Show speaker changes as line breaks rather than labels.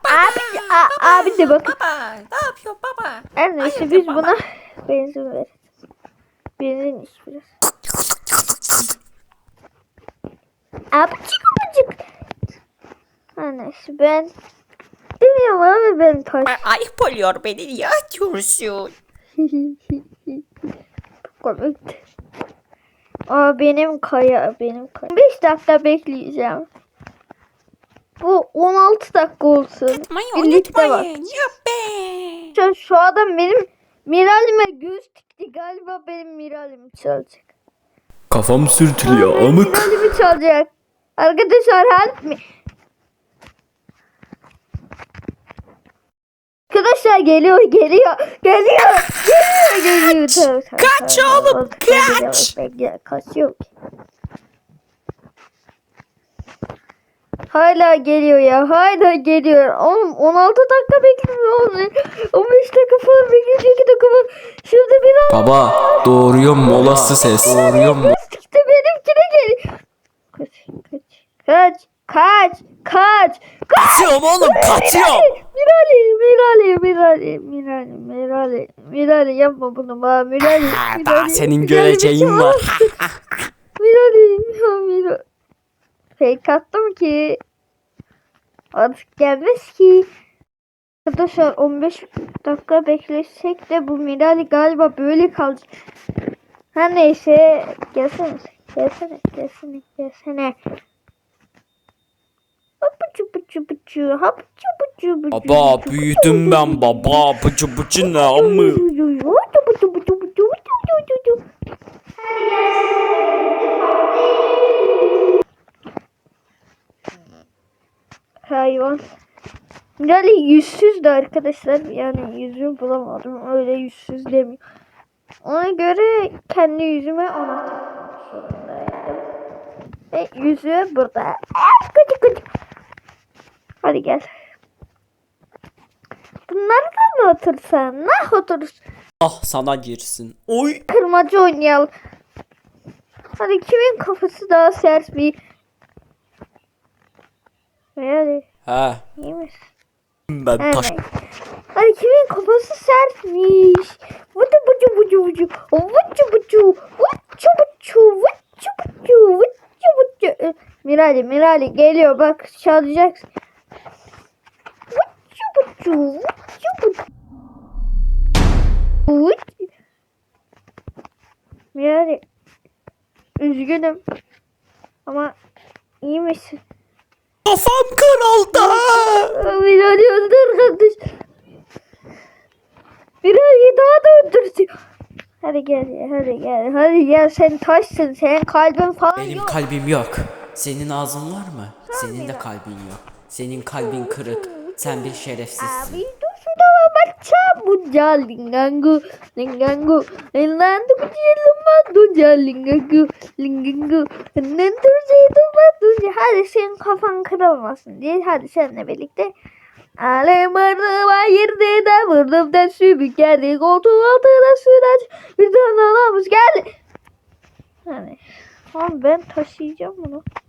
Abi de bak.
Baba ne yapıyor baba?
Her neyse
Hayırdır
biz
baba?
buna benzin ver. Benzin iç biraz. Abicik abicik. Her neyse ben bilmiyorum abi ben taş.
Ayıp oluyor beni niye atıyorsun?
Komikti. Aa benim kaya. 5 dakika bekleyeceğim. Bu 16 dakika olsun.
Unutmayın
Birlikte bak.
unutmayın. Yuppi.
Şu adam benim Miral'ime göz dikti. Galiba benim Miral'imi çalacak.
Kafam sürtülüyor amık.
Miral'imi çalacak. Arkadaşlar help me. Arkadaşlar geliyor.
Kaç oğlum, kaç.
Kaçıyor ki. Hala geliyor ya. Hala geliyor. Oğlum 16 dakika bekliyor. 15 dakika falan bekliyor. 2 dakika falan. Şurada bir an.
Baba doğuruyor molası ses. Doğuruyor mu?
İşte benimkine geliyor. Kaç.
Kaçıyorum oğlum kaçıyorum.
Mirali yapma bunu bana Mirali.
Daha senin göreceğin var.
Mirali. Fake attım ki artık gelmez ki. Arkadaşlar 15 dakika beklesek de bu Mirali galiba böyle kalacak. Her neyse gelsene.
Baba büyüdüm ben baba. Bıcı bıcı ne amı?
Hayvan. Mirali yüzsüzdü arkadaşlar. Yani yüzümü bulamadım. Öyle yüzsüz demiyor. Ona göre kendi yüzüme ona takmak zorundaydım. Ve yüzüğü burada. Gıcık. Hadi gel. Bunlardan mı otursan? Ne oturursun?
Ah sana girsin. Oy.
Kırmacı oynayalım. Hadi kimin kafası daha sert bir... Hadi
He.
iyi misin?
Ben taş.
Evet. Hadi kimin kafası sertmiş? Vucu. Mirali geliyor bak çalacaksın. Vucu. Mirali üzgünüm ama iyi misin?
Kafam kırıldı.
Mirali öldür kardeş. Mirali daha da öldürsün. Hadi gel sen taşsın, senin kalbin falan
Benim
yok.
kalbim yok. Senin ağzın var mı? Senin de kalbin yok. Senin kalbin kırık. Sen bir şerefsizsin.
Abi dur şurada baca buca lingangu enlandu buca lingangu hadi senin kafan kırılmasın diye hadi seninle birlikte Alemanı bayırdı da vurdum da sümük geldi koltuğun altına süraç bir tane anamız geldi. Hani ama ben taşıyacağım bunu.